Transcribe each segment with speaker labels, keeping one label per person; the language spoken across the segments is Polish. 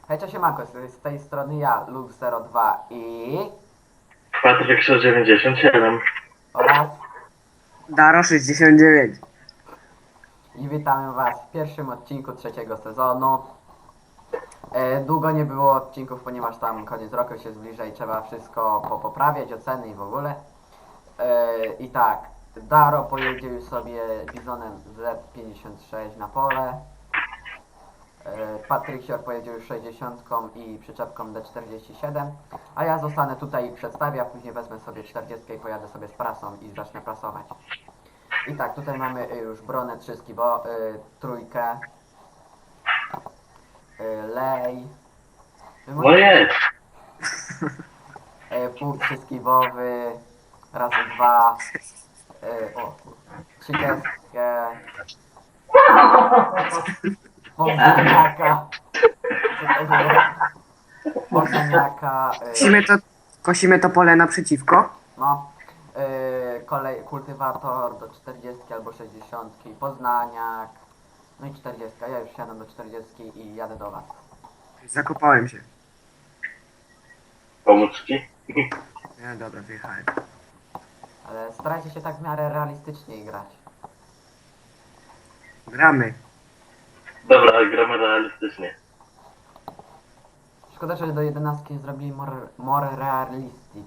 Speaker 1: Hej, cześć, siemanko, z tej strony ja, Lux02 i...
Speaker 2: Patryk 197.
Speaker 1: oraz...
Speaker 3: Daro 69.
Speaker 1: i witamy was w pierwszym odcinku trzeciego sezonu. Długo nie było odcinków, ponieważ tam koniec roku się zbliża i trzeba wszystko poprawiać, oceny i w ogóle. I tak, Daro pojedzie już sobie Bizonem Z56 na pole. Patryk Sior pojedzie już 60 i przyczepką D47, a ja zostanę tutaj i przedstawię, a później wezmę sobie 40 i pojadę sobie z prasą i zacznę prasować. I tak, tutaj mamy już bronę 3 skibo, trójkę, lej,
Speaker 2: No jest.
Speaker 1: pół 3 skibowy, razy 2, o, 30, Bożeniaka, co to było? Bożeniaka,
Speaker 3: Kosimy to pole naprzeciwko.
Speaker 1: no, kultywator do 40 albo 60, Poznaniak, no i 40. Ja już siadam do 40 i jadę do was.
Speaker 3: Zakopałem się.
Speaker 2: Pomóc ci?
Speaker 3: No dobra, wyjechałem.
Speaker 1: Ale starajcie się tak w miarę realistycznie grać.
Speaker 3: Gramy.
Speaker 2: Dobra, gramy realistycznie.
Speaker 1: Szkoda, że do 11 nie zrobili more realistic.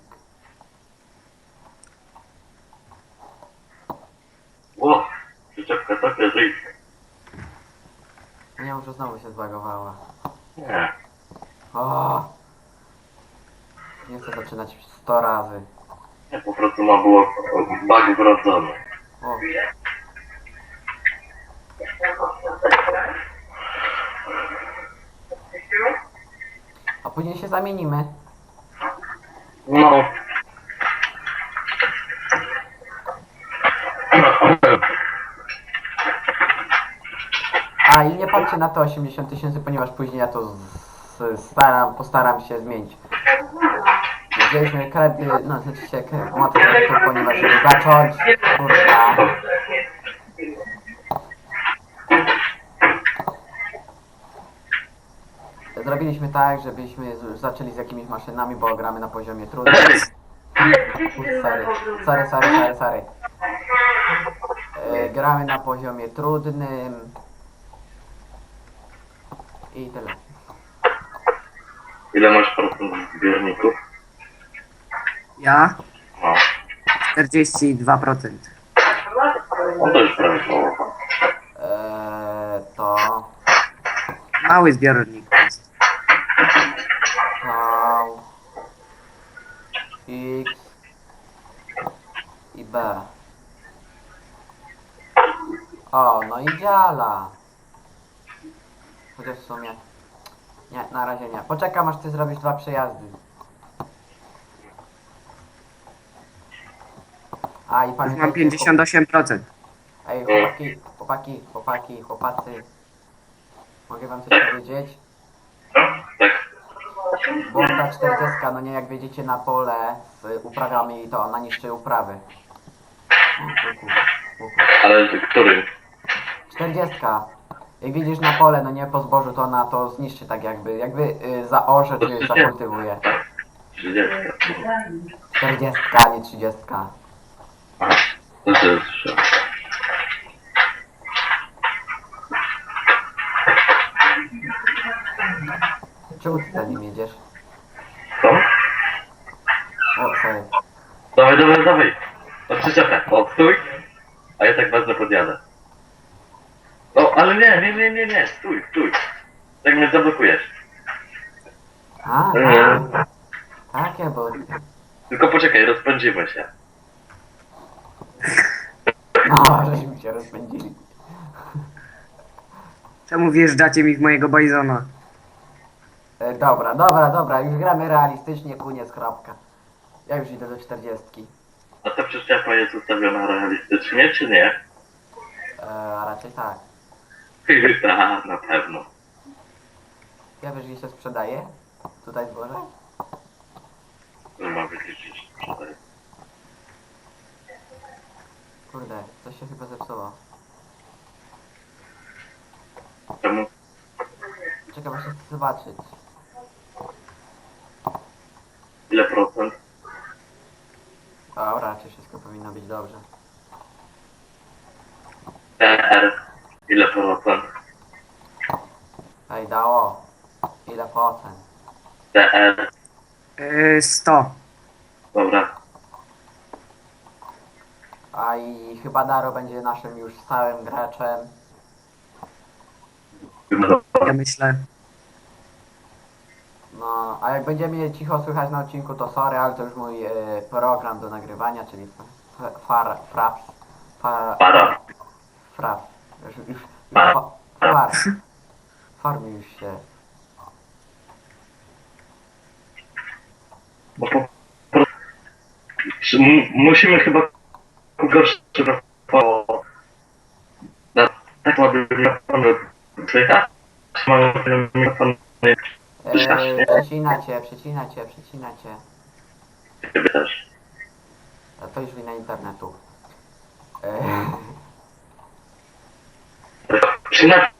Speaker 2: Ło, przyczepka taka żyj.
Speaker 1: Nie wiem, że znowu się zbagowała.
Speaker 2: Nie.
Speaker 1: O! Nie chcę zaczynać 100 razy.
Speaker 2: Nie, po prostu ma było bug wrodzony.
Speaker 1: O, a później się zamienimy.
Speaker 2: No.
Speaker 1: A i nie patrzcie na to 80 000, ponieważ później ja to postaram się zmienić. Wzięliśmy kredyt, no znaczy się moc kredytu, ponieważ żeby zacząć, kurwa. Zrobiliśmy tak, żebyśmy zaczęli z jakimiś maszynami, bo gramy na poziomie trudnym. Sorry. Gramy na poziomie trudnym. I tyle.
Speaker 2: Ile masz procent zbiorników?
Speaker 3: Ja
Speaker 2: No.
Speaker 3: 42%.
Speaker 2: No to już prawie połowa.
Speaker 1: To...
Speaker 3: Mały zbiornik to jest.
Speaker 1: V, X i B. O, no i dziala. Chociaż w sumie... Nie, na razie nie. Poczekam aż ty zrobisz 2 przejazdy. A i
Speaker 3: Już mam
Speaker 1: pamiętajcie...
Speaker 3: 58%.
Speaker 1: Ej, chłopacy. Mogę wam coś powiedzieć?
Speaker 2: No, tak.
Speaker 1: Bo ta 40, no nie, jak wjedziecie na pole z uprawami, to ona niszczy uprawy.
Speaker 2: Ale którym?
Speaker 1: 40. Jak widzisz na pole, no nie po zbożu, to ona to zniszczy tak jakby zaorze czy zakultywuje.
Speaker 2: 30.
Speaker 1: 40, nie 30.
Speaker 2: Aha, to jest szok.
Speaker 1: Czemu ty za nim jedziesz?
Speaker 2: Co?
Speaker 1: O, sorry.
Speaker 2: Dawaj. No przyczepę. O, stój. A ja tak bardzo podjadę. No, ale nie. Stój. Tak mnie zablokujesz.
Speaker 1: A,
Speaker 2: Nie.
Speaker 1: takie, bo...
Speaker 2: Tylko poczekaj, rozpędzimy się.
Speaker 1: No, żeśmy się rozpędzili.
Speaker 3: Czemu wjeżdżacie mi w mojego bajzona?
Speaker 1: Dobra, już gramy realistycznie, koniec, kropka. Ja już idę do 40.
Speaker 2: A ta przyczepa jest ustawiona realistycznie, czy nie?
Speaker 1: A raczej tak.
Speaker 2: Tak, na pewno.
Speaker 1: Ja wiesz, gdzie się sprzedaje? Tutaj zboże?
Speaker 2: To ma wyliczyć tutaj.
Speaker 1: Kurde, coś się chyba zepsuło.
Speaker 2: Czemu?
Speaker 1: Czekaj, właśnie chcę zobaczyć.
Speaker 2: ile procent?
Speaker 1: O, raczej wszystko powinno być dobrze.
Speaker 2: TR, ile procent?
Speaker 1: Ej, dało. Ile procent?
Speaker 2: TR,
Speaker 3: 100.
Speaker 2: dobra.
Speaker 1: A i chyba Daro będzie naszym już stałym graczem.
Speaker 3: Ja myślę.
Speaker 1: No, a jak będzie mnie cicho słychać na odcinku, to sorry, ale to już mój program do nagrywania, czyli Fraps.
Speaker 2: Para.
Speaker 1: Fraps. Już
Speaker 2: Para.
Speaker 1: Farmi już się.
Speaker 2: Bo po prostu musimy chyba gorszy po na tak ładny mikrofon słychać. Mamy mikrofon słychać, nie?
Speaker 1: Przecina cię.
Speaker 2: Ciebie też.
Speaker 1: A to już wina internetu.
Speaker 2: Przyna...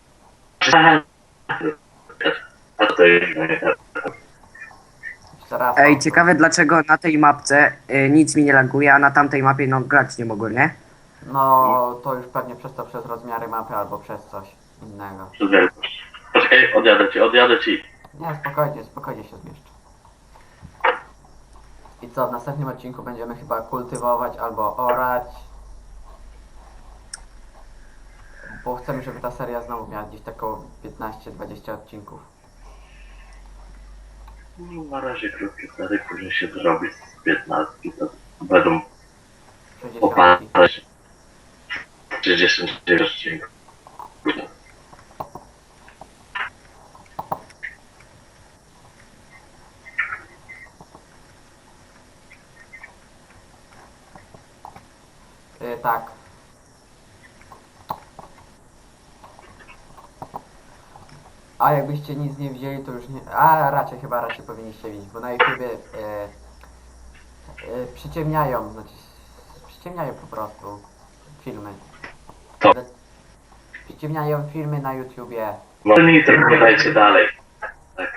Speaker 2: A to jest...
Speaker 1: Jeszcze raz.
Speaker 3: Ej, ciekawe dlaczego na tej mapce nic mi nie laguje, a na tamtej mapie no grać nie mogłem, nie?
Speaker 1: No, to już pewnie przez to, przez rozmiary mapy albo przez coś innego.
Speaker 2: Przez wielkość. Poczekaj, odjadę ci.
Speaker 1: Nie, spokojnie się zmieszczę. I co, w następnym odcinku będziemy chyba kultywować albo orać. Bo chcemy, żeby ta seria znowu miała gdzieś taką 15-20 odcinków.
Speaker 2: No, na razie krótkie wtedy, później się zrobi z 15, to będą
Speaker 1: 60.
Speaker 2: opadać 39 odcinków.
Speaker 1: Tak. A jakbyście nic nie wzięli, to już nie... A raczej powinniście widzieć, bo na YouTubie przyciemniają, znaczy przyciemniają po prostu filmy.
Speaker 2: Co?
Speaker 1: Przyciemniają filmy na YouTubie.
Speaker 2: Może mi to nie dajcie dalej. Tak.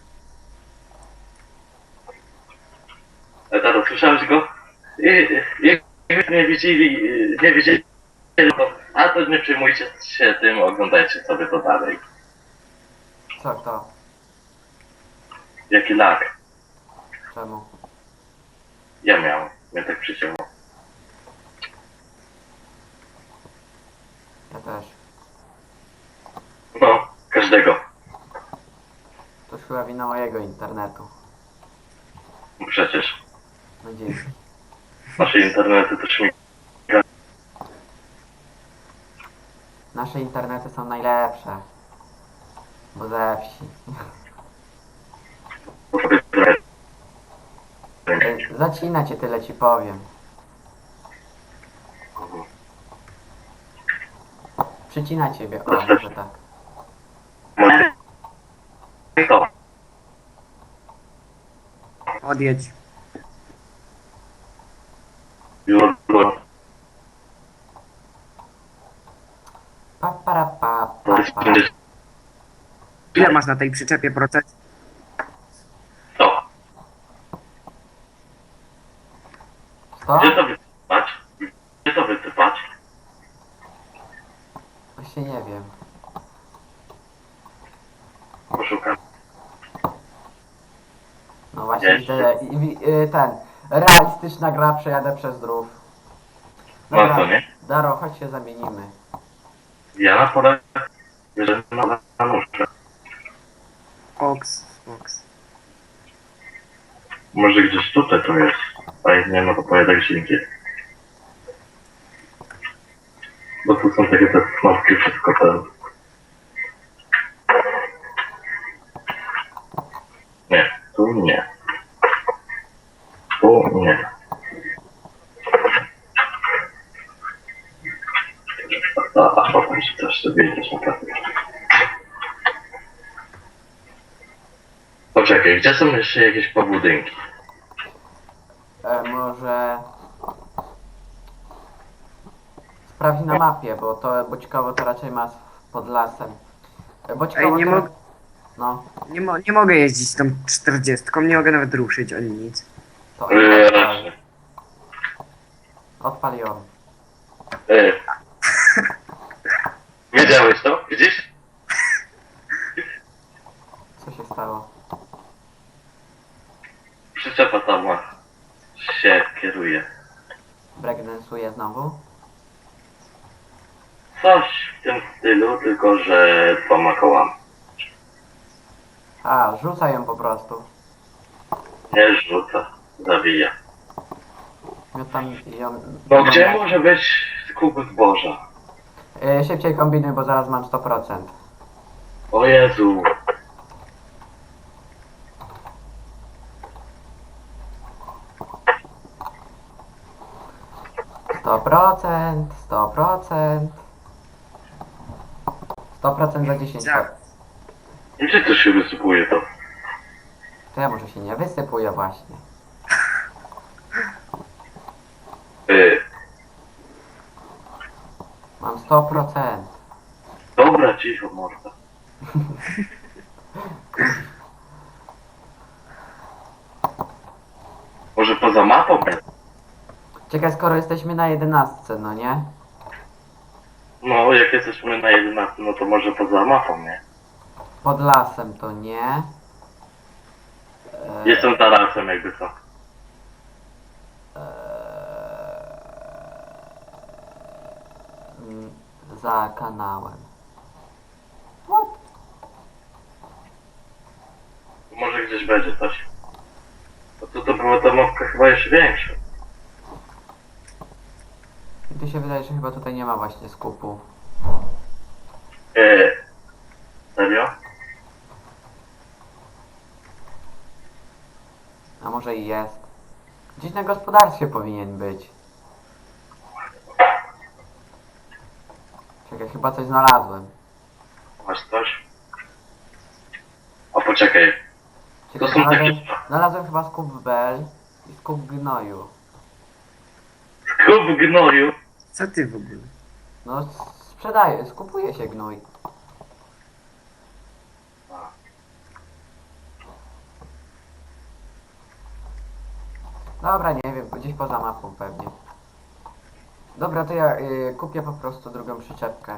Speaker 2: Taro, słyszałeś go? Jak nie widzieli, to, a to nie przejmujcie się tym, oglądajcie sobie to dalej.
Speaker 1: Co to?
Speaker 2: Jaki lag?
Speaker 1: Czemu?
Speaker 2: Ja miałem, mnie tak przycięło.
Speaker 1: Ja też.
Speaker 2: No, każdego.
Speaker 1: To już chyba wina mojego internetu.
Speaker 2: No przecież.
Speaker 1: No dzięki.
Speaker 2: Nasze internety też mi...
Speaker 1: Nasze internety są najlepsze. Bo ze wsi. Zacina cię, tyle ci powiem. Przycina ciebie, o może tak.
Speaker 2: To.
Speaker 3: Odjedź.
Speaker 1: Pa, para, pa.
Speaker 3: Ile masz na tej przyczepie procent?
Speaker 2: To.
Speaker 1: Co?
Speaker 2: Gdzie to wysypać? Gdzie to wysypać?
Speaker 1: Właśnie nie wiem.
Speaker 2: Poszukam.
Speaker 1: No właśnie
Speaker 2: Jeszcze.
Speaker 1: widzę, ten, realistyczna gra, przejadę przez drów.
Speaker 2: No to nie?
Speaker 1: Daro, chodź się zamienimy.
Speaker 2: Ja na pole... Bierzemy na nóżkę.
Speaker 3: Oks.
Speaker 2: Może gdzieś tutaj to jest. A jak nie, no to pojadę gdzieś indziej. Bo tu są takie te knopki, wszystko ten... Nie, tu nie. Tu nie. A potem się też sobie jedziesz na pewno. Poczekaj, gdzie są jeszcze jakieś pobudynki?
Speaker 1: Może... Sprawdź na mapie, bo ciekawo to raczej ma pod lasem. Bo ciekawo
Speaker 3: Ej, nie
Speaker 1: to...
Speaker 3: mogę.
Speaker 1: No,
Speaker 3: Nie mogę jeździć tą 40, nie mogę nawet ruszyć ani nic.
Speaker 1: to
Speaker 2: Raczej.
Speaker 1: odpal ją.
Speaker 2: Yy. Wiedziałeś to? Widzisz?
Speaker 1: Co się stało?
Speaker 2: Przyczepa sama się kieruje.
Speaker 1: Breakdance'uje znowu?
Speaker 2: Coś w tym stylu, tylko że 2 kołami.
Speaker 1: A, rzuca ją po prostu.
Speaker 2: Nie rzuca, zawija.
Speaker 1: Ja tam ją...
Speaker 2: No gdzie może być skup zboża?
Speaker 1: Szybciej kombinuj, bo zaraz mam 100%.
Speaker 2: O Jezu.
Speaker 1: Sto procent, 100%. 100% za 10
Speaker 3: Tak.
Speaker 1: sekund.
Speaker 2: Gdzie to się wysypuje to?
Speaker 1: To ja może się nie wysypuję właśnie.
Speaker 2: Yy.
Speaker 1: Mam 100%.
Speaker 2: Dobra, cicho morda. Może poza mapą jest?
Speaker 1: Czekaj, skoro jesteśmy na 11, no nie?
Speaker 2: No, jak jesteśmy na 11, no to może poza mapą, nie?
Speaker 1: Pod lasem to nie.
Speaker 2: Jestem tarasem jakby co.
Speaker 1: Za kanałem.
Speaker 2: Może gdzieś będzie coś. A tu to była ta mapka chyba jeszcze większa.
Speaker 1: I tu się wydaje, że chyba tutaj nie ma właśnie skupu.
Speaker 2: Serio?
Speaker 1: A może i jest. Gdzieś na gospodarstwie powinien być. Czekaj, chyba coś znalazłem.
Speaker 2: Masz coś? O, poczekaj.
Speaker 1: Czekaj,
Speaker 2: To są takie...
Speaker 1: znalazłem chyba skup bel i skup gnoju.
Speaker 2: Skup gnoju.
Speaker 3: Co ty w ogóle?
Speaker 1: No, sprzedaje, skupuje się gnój. Dobra, nie wiem, gdzieś poza mapą pewnie. Dobra, to ja kupię po prostu drugą przyczepkę.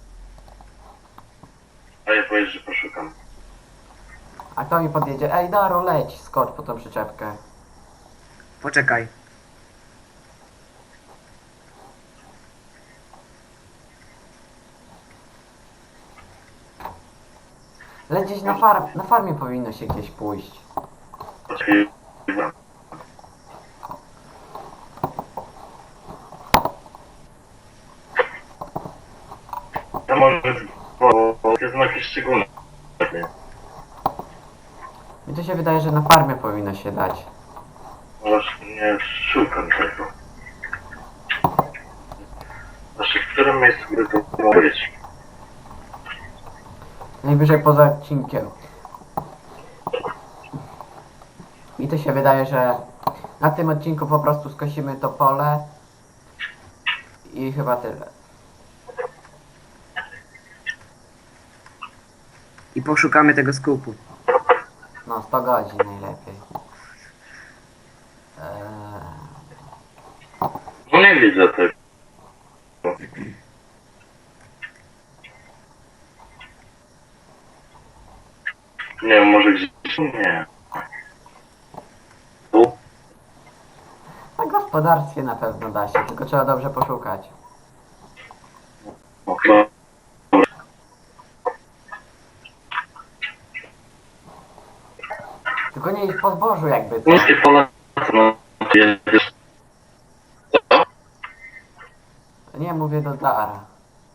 Speaker 2: A ja powiesz, że poszukam.
Speaker 1: A kto mi podjedzie? Ej, Daro, leć, skocz po tą przyczepkę.
Speaker 3: Poczekaj.
Speaker 1: Leć gdzieś na farmie powinno się gdzieś pójść.
Speaker 2: Poczekaj. To może... Bo to jest jakieś szczególne. Nie?
Speaker 1: Mi to się wydaje, że na farmie powinno się dać.
Speaker 2: Właśnie szukam tego. Znaczy, w którym miejscu by to mogło być?
Speaker 1: Najwyżej poza odcinkiem. Mi to się wydaje, że na tym odcinku po prostu skosimy to pole i chyba tyle.
Speaker 3: I poszukamy tego skupu.
Speaker 1: No, 100 godzin najlepiej.
Speaker 2: No nie widzę tego. Nie wiem, może gdzieś... Nie. Tu?
Speaker 1: Na gospodarstwie na pewno da się, tylko trzeba dobrze poszukać.
Speaker 2: No, to...
Speaker 1: Tylko nie iść po zbożu jakby co.
Speaker 2: Niskie pola... No, jest... Co?
Speaker 1: Nie, mówię do Dara.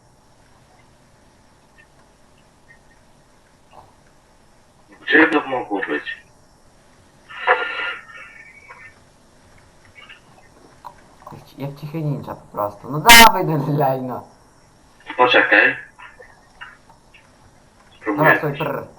Speaker 2: Gdzie to mogło być?
Speaker 1: Jak cichy ninja po prostu. No dawaj delay no.
Speaker 2: Poczekaj.
Speaker 1: Dobra,
Speaker 2: Spróbuję.
Speaker 1: stój, prr.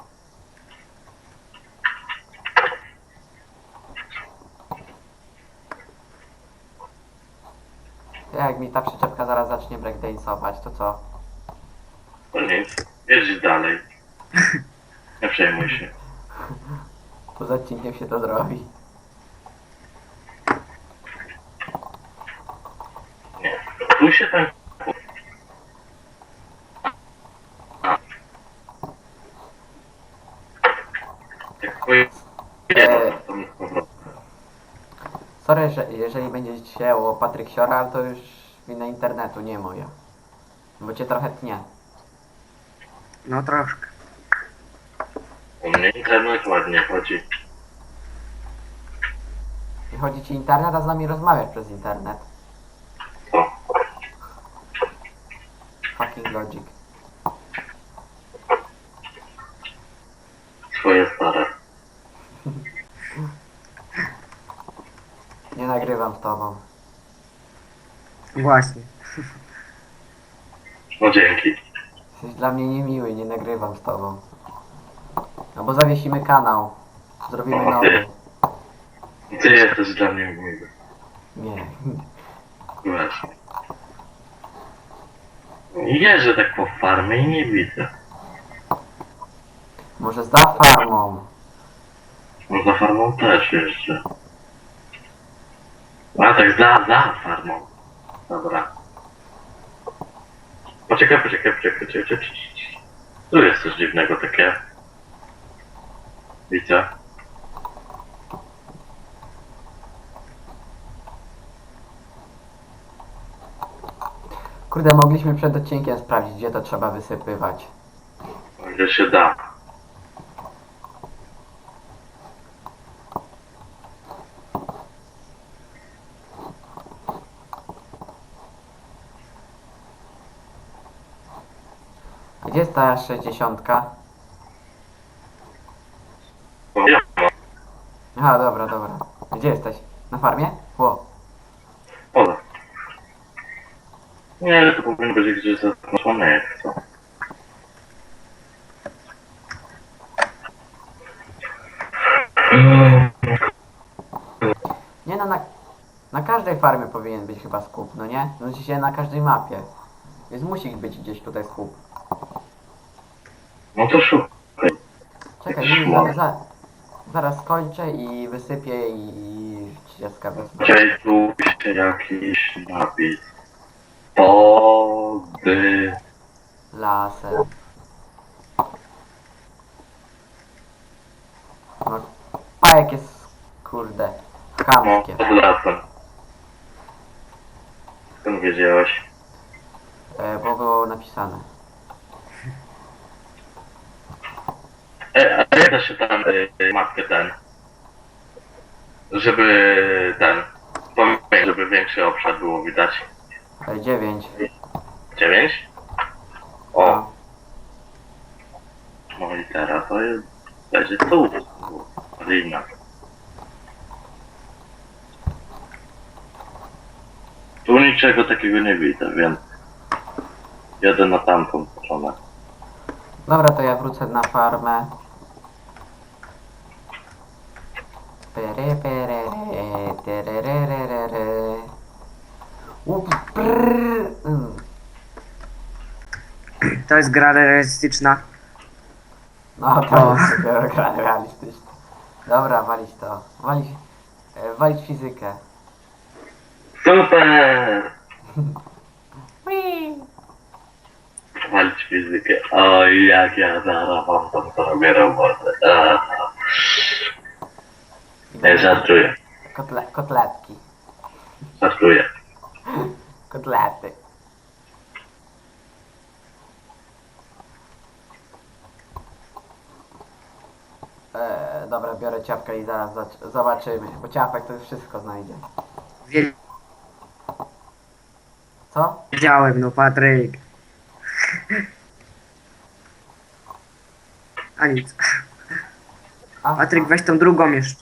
Speaker 1: Jak mi ta przyczepka zaraz zacznie breakdance'ować, to co?
Speaker 2: To nic. Jedź dalej. Nie przejmuj się.
Speaker 1: Poza odcinkiem się to zrobi.
Speaker 2: Nie. Tu się tak... Jak pojedzie, to mi z powrotem.
Speaker 1: Sorry, że jeżeli będzie się o Patryk Siora, ale to już wina internetu, nie moja. Bo cię trochę tnie.
Speaker 3: No troszkę.
Speaker 2: U mnie internet ładnie chodzi.
Speaker 1: Nie chodzi ci internet, a z nami rozmawiasz przez internet.
Speaker 2: Co?
Speaker 1: Fucking logic.
Speaker 2: Swoje stare.
Speaker 1: Nie nagrywam z tobą.
Speaker 3: Właśnie.
Speaker 2: No dzięki.
Speaker 1: Jesteś dla mnie niemiły, nie nagrywam z tobą. No bo zawiesimy kanał. Zrobimy
Speaker 2: O,
Speaker 1: nowy.
Speaker 2: Ty jesteś dla mnie miły.
Speaker 1: Nie.
Speaker 2: Wiesz. Jeżdżę tak po farmie i nie widzę.
Speaker 1: Może za farmą.
Speaker 2: No za farmą też jeszcze. A tak za farmą. Dobra. Poczekaj. Tu jest coś dziwnego takie. Widzę.
Speaker 1: Kurde, mogliśmy przed odcinkiem sprawdzić, gdzie to trzeba wysypywać.
Speaker 2: Gdzie się da.
Speaker 1: Gdzie jest ta 60?
Speaker 2: O, ja mam.
Speaker 1: Aha, dobra. Gdzie jesteś? Na farmie? Ło.
Speaker 2: Ola. Nie, to powinno być gdzieś zaznaczone jak co.
Speaker 1: Nie no, na każdej farmie powinien być chyba skup, no nie? Znaczy się na każdej mapie. Więc musi być gdzieś tutaj skup.
Speaker 2: No to szukaj.
Speaker 1: Czekaj, nie, zaraz skończę i wysypię i 30 wezmę.
Speaker 2: Gdzieś tu się jakiś napis. Pody.
Speaker 1: Lasem. No, pajek jest, kurde,
Speaker 2: No,
Speaker 1: chamskie.
Speaker 2: pod lasem. Skąd wiedziałeś?
Speaker 1: Bo było napisane.
Speaker 2: A jak da się tam matkę ten? Żeby ten... Pamiętaj, żeby większy obszar było widać.
Speaker 1: 9.
Speaker 2: 9? O, no i teraz to jest... Będzie tu. Lina. Tu niczego takiego nie widzę, więc... Jadę na tamtą stronę.
Speaker 1: Dobra, to ja wrócę na farmę. Pere, tererererere. Prrr.
Speaker 3: To jest gra realistyczna.
Speaker 1: No to jest dopiero gra realistyczna. Dobra, walić to. Walić fizykę.
Speaker 2: Super!
Speaker 1: Whee!
Speaker 2: Walić fizykę. Oj, jak ja zaraz wam tam zrobię robotę. Aha. Nie, żartuję.
Speaker 1: Kotletki.
Speaker 2: Żartuję.
Speaker 1: Kotlety. Dobra, biorę ciapkę i zaraz zobaczymy, bo ciapek to już wszystko znajdzie. Co?
Speaker 3: Wiedziałem, no Patryk. A nic.
Speaker 1: A,
Speaker 3: Patryk, weź tą drugą jeszcze.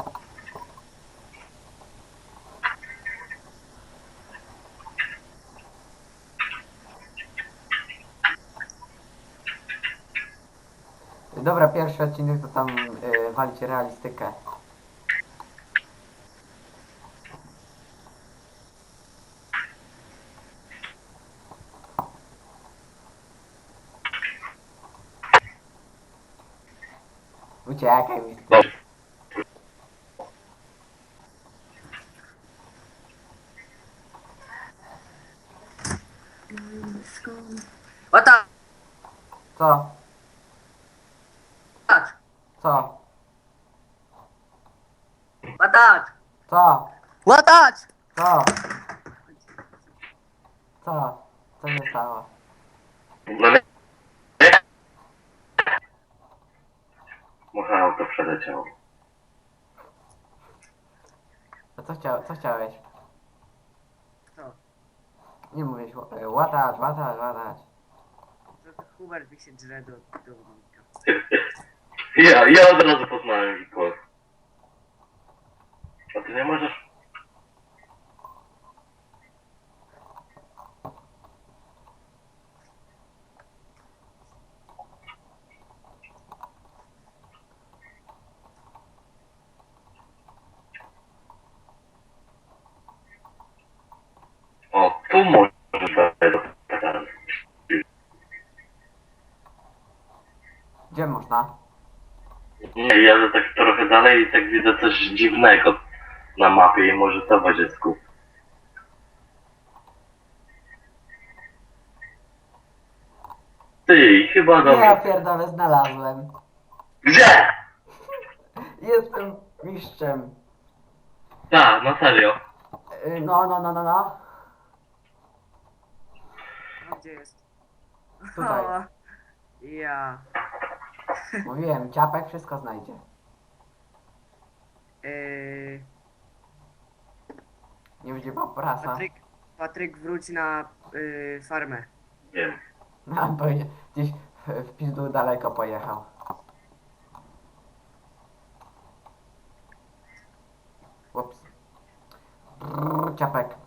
Speaker 1: Dobra, pierwszy odcinek to tam walić realistykę. Uciekaj mi.
Speaker 2: Dobrze.
Speaker 3: Łatacz!
Speaker 1: Co? Co?
Speaker 3: Łatacz!
Speaker 1: Co?
Speaker 3: Łatacz!
Speaker 1: Co? Co? Co się stało?
Speaker 2: No nie. Może auto przeleciało.
Speaker 1: A co chciałeś?
Speaker 3: Co?
Speaker 1: Nie mówisz, łatacz.
Speaker 3: To Hubert mi się drze do dowodnika.
Speaker 2: Ja od razu poznałem ich głos. A ty nie możesz? O, tu możesz wejść do pytania.
Speaker 1: Gdzie można?
Speaker 2: Nie, jadę tak trochę dalej i tak widzę coś dziwnego na mapie i może to będzie skup. Ty, chyba do
Speaker 1: Ja
Speaker 2: mnie.
Speaker 1: pierdolę, znalazłem.
Speaker 2: Gdzie?
Speaker 1: Jestem mistrzem.
Speaker 2: Tak, na serio.
Speaker 1: No.
Speaker 3: No gdzie jest?
Speaker 1: Tutaj.
Speaker 3: O, ja.
Speaker 1: Mówiłem, ciapek wszystko znajdzie. Nie będzie prasa.
Speaker 3: Patryk wróć na farmę.
Speaker 2: Wiem.
Speaker 1: No, bo gdzieś w pizdu daleko pojechał. Ups. Ciapek.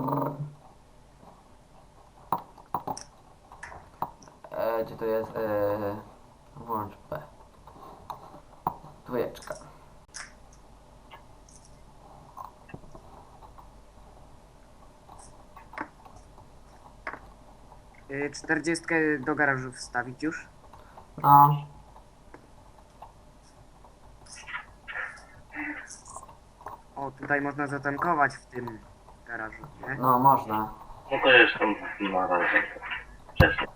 Speaker 1: Gdzie to jest? Włącz B. Dwójeczka.
Speaker 3: 40 do garażu wstawić już.
Speaker 1: No.
Speaker 3: O, tutaj można zatankować w tym garażu, nie?
Speaker 1: No, można.
Speaker 2: No to jeszcze na razie. Wcześniej.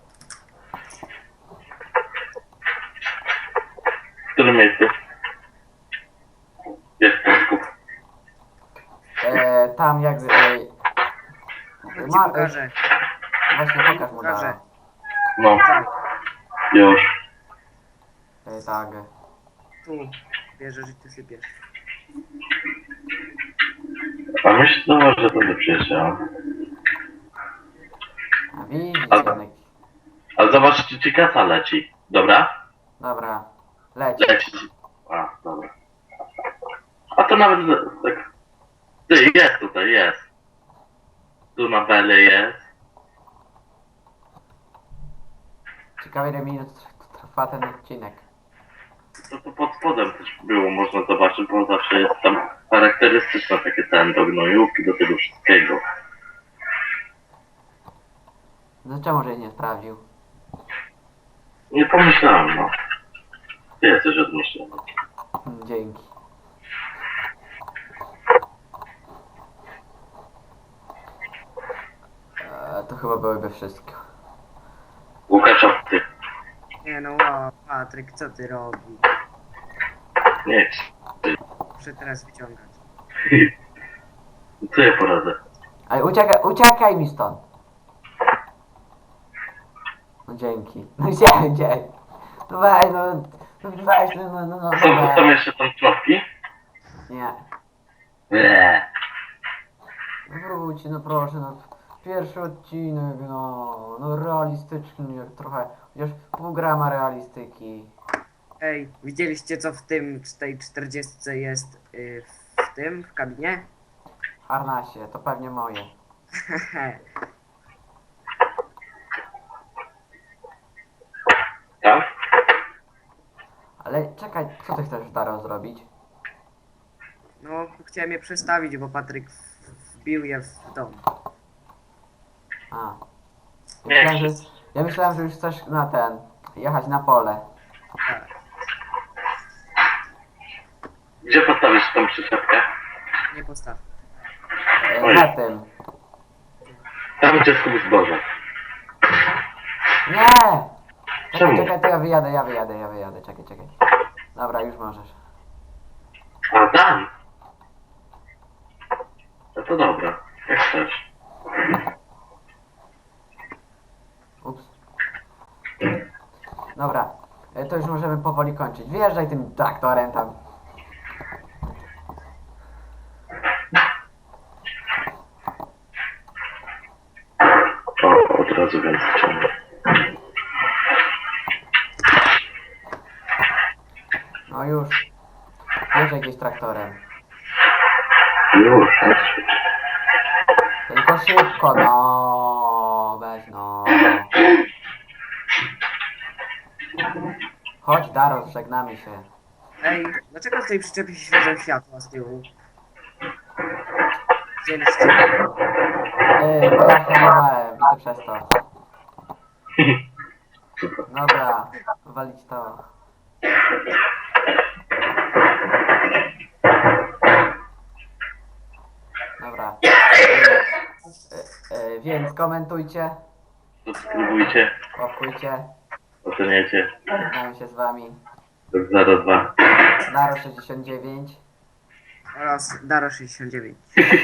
Speaker 2: W którym miejscu? Jest ten skup.
Speaker 1: Tam jak...
Speaker 3: Chodź ci pokażę.
Speaker 1: Właśnie pokaż mu
Speaker 3: Pokażę.
Speaker 1: dalej.
Speaker 2: No,
Speaker 3: Tak,
Speaker 2: już.
Speaker 1: Tak.
Speaker 3: tu. Bierzesz i ty sypiesz.
Speaker 2: A myślę, że to by przyjechał.
Speaker 1: A widzisz,
Speaker 2: A-
Speaker 1: Janek.
Speaker 2: A zobacz, czy ci kasa leci. Dobra?
Speaker 1: Dobra. Leć.
Speaker 2: Leci. A, dobra. A to nawet tak... Ty, jest tutaj, jest. Tu na bele jest.
Speaker 1: Ciekawe ile minut trwa ten odcinek.
Speaker 2: To pod spodem też było, można zobaczyć, bo zawsze jest tam charakterystyczne takie ten do gnojówki, do tego wszystkiego.
Speaker 1: No czemu żeś nie sprawdził?
Speaker 2: Nie pomyślałem, no. Ty jesteś odmyślony.
Speaker 1: Dzięki. To chyba byłyby wszystko.
Speaker 2: Łukasz, ty.
Speaker 3: Nie no, wow, Patryk, co ty robisz?
Speaker 2: Nie,
Speaker 3: Muszę teraz wyciągać.
Speaker 2: co ja poradzę?
Speaker 1: Ale uciekaj mi stąd. No dzięki. No gdzie? No weź, no
Speaker 2: Są jeszcze tam człopki?
Speaker 1: Nie.
Speaker 2: Eee.
Speaker 1: Wróć, no proszę, no. Pierwszy odcinek, no realistyczny, jak trochę, chociaż pół grama realistyki.
Speaker 3: Ej, widzieliście co w tym, tej 40 jest w kabinie?
Speaker 1: Harnasie, to pewnie moje.
Speaker 2: Tak?
Speaker 1: Ale czekaj, co ty chcesz Daro zrobić?
Speaker 3: No, chciałem je przestawić, bo Patryk wbił je w dom.
Speaker 1: A.
Speaker 2: Nie.
Speaker 1: Ja myślałem, że już chcesz na jechać na pole.
Speaker 3: Tak.
Speaker 2: Gdzie postawisz tą przyczepkę?
Speaker 3: Nie postaw.
Speaker 2: Oj.
Speaker 1: Za tym.
Speaker 2: Tam gdzie skup zboże.
Speaker 1: Nie!
Speaker 2: Czemu?
Speaker 1: Czekaj, to ja wyjadę. Czekaj. Dobra, już możesz.
Speaker 2: A tam? No to dobra, jak chcesz.
Speaker 1: Ups. Dobra, to już możemy powoli kończyć. Wjeżdżaj tym traktorem tam.
Speaker 2: O, od razu więc ciągnę.
Speaker 1: No już. Wjeżdżaj gdzieś traktorem.
Speaker 2: Już.
Speaker 1: Tylko szybko, no. Weź no. Chodź Daro, żegnamy się.
Speaker 3: Ej, dlaczego w tej przyczepie się świecą światła z tyłu? Wzięliście.
Speaker 1: Bo ja hamowałem i to przez to. Dobra, walić to. Dobra. Więc komentujcie,
Speaker 2: Subskrybujcie,
Speaker 1: łapkujcie,
Speaker 2: oceniajcie.
Speaker 1: żegnam się z wami.
Speaker 2: 02.
Speaker 1: Daro69.
Speaker 3: Oraz Daro 69.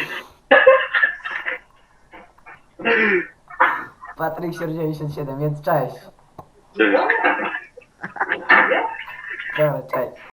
Speaker 1: Patryk 97, więc cześć.
Speaker 2: Cześć.
Speaker 1: Dobra, cześć.